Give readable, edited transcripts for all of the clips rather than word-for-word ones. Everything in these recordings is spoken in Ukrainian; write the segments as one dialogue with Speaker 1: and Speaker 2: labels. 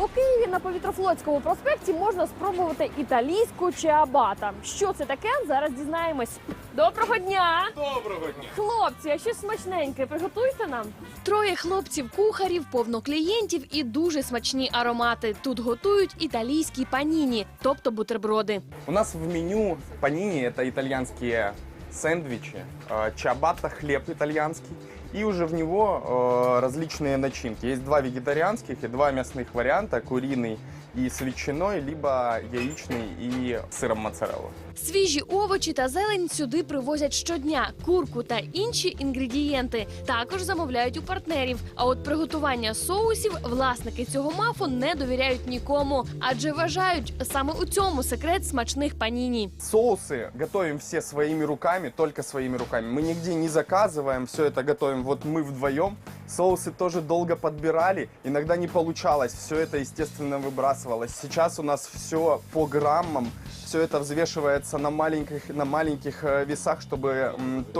Speaker 1: У Києві на Повітрофлотському проспекті можна спробувати італійську чиабата. Що це таке? Зараз дізнаємось. Доброго дня!
Speaker 2: Доброго дня!
Speaker 1: Хлопці, а щось смачненьке приготуйте нам. Троє хлопців-кухарів, повно клієнтів і дуже смачні аромати. Тут готують італійські паніні, тобто бутерброди.
Speaker 2: У нас в меню панини – это итальянские сэндвичи, чиабатта – хлеб итальянский, и уже в него различные начинки. Есть два вегетарианских и два мясных варианта – куриный и с ветчиной, либо яичный и с сыром моцарелла.
Speaker 1: Свіжі овочі та зелень сюди привозять щодня. Курку та інші інгредієнти також замовляють у партнерів. А от приготування соусів власники цього мафу не довіряють нікому, адже вважають, саме у цьому секрет смачних паніні.
Speaker 2: Соусы готовим все своими руками, только своими руками. Мы нигде не заказываем, все это готовим вот мы вдвоем. Соусы тоже долго подбирали, иногда не получалось, все это, естественно, выбрасывалось. Сейчас у нас все по граммам, все это взвешивается на маленьких весах, чтобы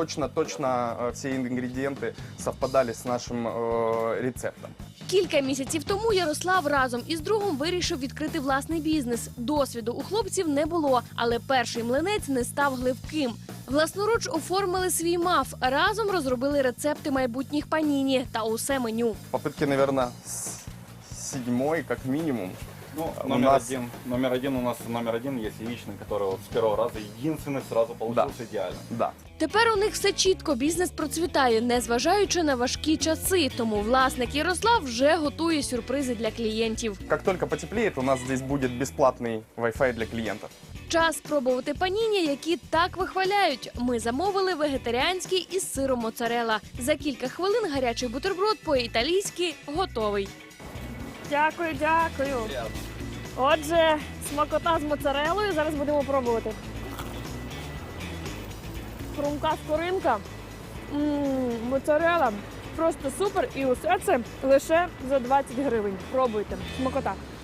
Speaker 2: точно все ингредиенты совпадали с нашим рецептом.
Speaker 1: Кілька місяців тому Ярослав разом із другом вирішив відкрити власний бізнес. Досвіду у хлопців не було, але перший млинець не став гливким. Власноруч оформили свій маф, разом розробили рецепти майбутніх паніні та усе меню.
Speaker 2: Попытки, наверное, седьмой, как минимум.
Speaker 3: Ну,
Speaker 2: У
Speaker 3: номер
Speaker 2: нас-
Speaker 3: один у нас номер один есть яичный, который вот с первого раза единственный сразу получился идеально.
Speaker 2: Да.
Speaker 1: Тепер у них все чітко, бізнес процвітає, незважаючи на важкі часи. Тому власник Ярослав вже готує сюрпризи для клієнтів.
Speaker 2: Как только потеплеет, у нас здесь будет бесплатный Wi-Fi для клиентов.
Speaker 1: Час спробувати паніні, які так вихваляють. Ми замовили вегетаріанський із сиром моцарелла. За кілька хвилин гарячий бутерброд по-італійськи готовий. Дякую, дякую. Отже, смакота з моцарелою. Зараз будемо пробувати. Хрумка скоринка. Моцарелла. Просто супер. І усе це лише за 20 гривень. Пробуйте. Смакота.